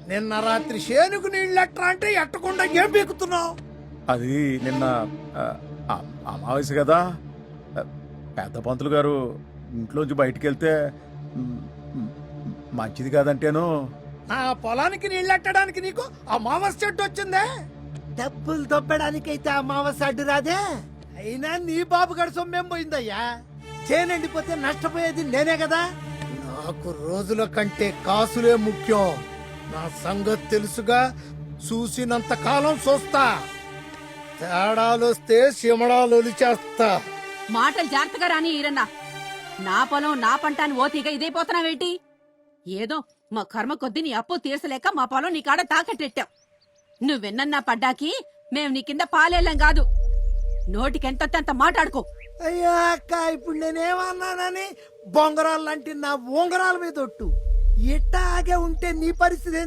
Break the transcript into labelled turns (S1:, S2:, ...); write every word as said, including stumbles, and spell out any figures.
S1: నిన్న రాత్రి శేనుకు నీళ్ళెట్రా అంటే ఎట్టకుండా ఏం పీకుతున్నావు?
S2: అది నిన్న ఆ, ఆ, అమావాస్య కదా. ఆ, పెద్ద పంతులు గారు ఇంట్లోంచి బయటికి వెళ్తే మ్, మ్, మంచిది కాదంటేను.
S1: నా పొలానికి నీళ్ళెట్టడానికి నీకు అమావాస్య చెట్టు వచ్చిందే?
S3: డబ్బులు దొబ్బడానికైతే అమావాస్య అడ్డు రాదే.
S1: అయినా నీ బాబు గడి సొమ్మేం పోయిందయ్యా?
S3: చేనండిపోతే నష్టపోయేది నేనే కదా.
S1: నాకు రోజుల కంటే కాసులే ముఖ్యం. నా సంగతి తెలుసుగా, చూసినంత కాలం చూస్తా. తేడాలొస్తే సిమడాలు చేస్తా.
S4: మాటలు జాగ్రత్తగా రాని ఈరన్నా. నా పొలం నా పంట అని ఓతీగా ఇదైపోతున్నావేంటి? ఏదో మా కర్మ కొద్దీ నీ అప్పు తీర్చలేక మా పొలం నీ కాడ తాకట్టెట్టావు. నువ్వెన్నన్నా పడ్డాకి మేం నీ కింద పాలేళ్ళం కాదు. నోటికెంత అంత మాట్లాడుకో.
S3: అయ్యా అక్క, ఇప్పుడు నేనేమన్నానని బొంగరాలు లాంటి నా ఉంగరాల మీద ఒట్టు. ఇట్టాగే ఉంటే నీ పరిస్థితి